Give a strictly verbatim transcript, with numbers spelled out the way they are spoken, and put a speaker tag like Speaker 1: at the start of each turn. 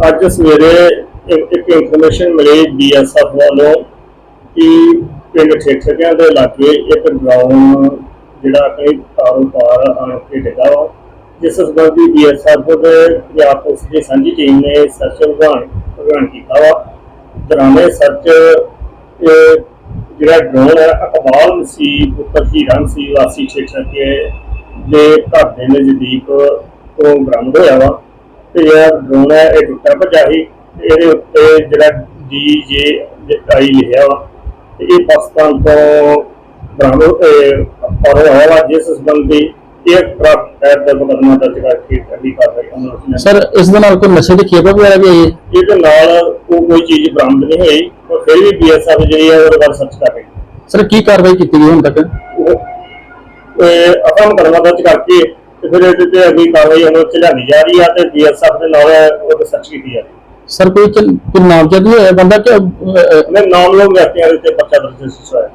Speaker 1: ਅੱਜ ਸਵੇਰੇ ਇੱਕ ਇੱਕ ਇਨਫੋਰਮੇਸ਼ਨ ਮਿਲੀ ਬੀ ਐਸ ਐਫ ਵੱਲੋਂ ਕਿ ਪਿੰਡ ਠੇਠਿਆਂ ਦੇ ਇਲਾਕੇ ਇੱਕ ਡਰਾਉਣ ਜਿਹੜਾ ਕਈ ਤਾਰੋਂ ਪਾਰ ਆਣ ਕੇ ਡਿੱਗਾ ਵਾ, ਜਿਸ ਸੰਬੰਧੀ ਬੀ ਐਸ ਐਫ ਦੇ ਪੰਜਾਬ ਪੁਲਿਸ ਦੀ ਸਾਂਝੀ ਟੀਮ ਨੇ ਸਰਚ ਅਭਿਆਨ ਅਭਿਆਨ ਕੀਤਾ ਵਾ। ਦੌਰਾਨੇ ਸਰਚ ਜਿਹੜਾ ਡਰੋਨ ਹੈ ਅਕਬਾਲ ਮਸੀਹ ਪੁੱਤਰ ਹੀਰਾ ਮਸੀਹ ਵਾਸੀ ਠੇਠੇ ਦੇ ਘਰ ਦੇ ਨਜ਼ਦੀਕ ਤੋਂ ਬਰਾਮਦ ਹੋਇਆ ਵਾ। ਤੇ ਜਿਹੜਾ ਡਰੋਨ ਹੈ ਇਹ ਟੁੱਟਾ ਭੱਜਾ ਸੀ। ਇਹਦੇ ਉੱਤੇ ਜਿਹੜਾ ਡੀ ਜੇ ਆਈ ਲਿਖਿਆ ਵਾ ਤੇ ਇਹ ਪਾਕਿਸਤਾਨ ਤੋਂ ਬਰਾਮਦ ਪਾਇਆ ਹੋਇਆ ਵਾ, ਜਿਸ ਸੰਬੰਧੀ एयरक्राफ्ट एक्ट का मुकदमा दर्ज करके अगली कार्रवाई
Speaker 2: सर इस दे नाल कोई नशे की खेप वगैरह भी आई है?
Speaker 1: ये नाल कोई चीज बरामद नहीं हुई पर फिर भी बीएसएफ जी है और बार सर्च कर रही है।
Speaker 2: सर की कार्रवाई की गई हुण तक?
Speaker 1: अपना मुकदमा दर्ज करके फिर ये अगली कार्रवाई अमल च लियानी जा रही है तो बीएसएफ के नाल सर्च की जा रही है।
Speaker 2: सर कोई कोई नामजद नहीं है बंदा क्या
Speaker 1: नाम लोग व्यक्तियों के पर्चा दर्ज होया।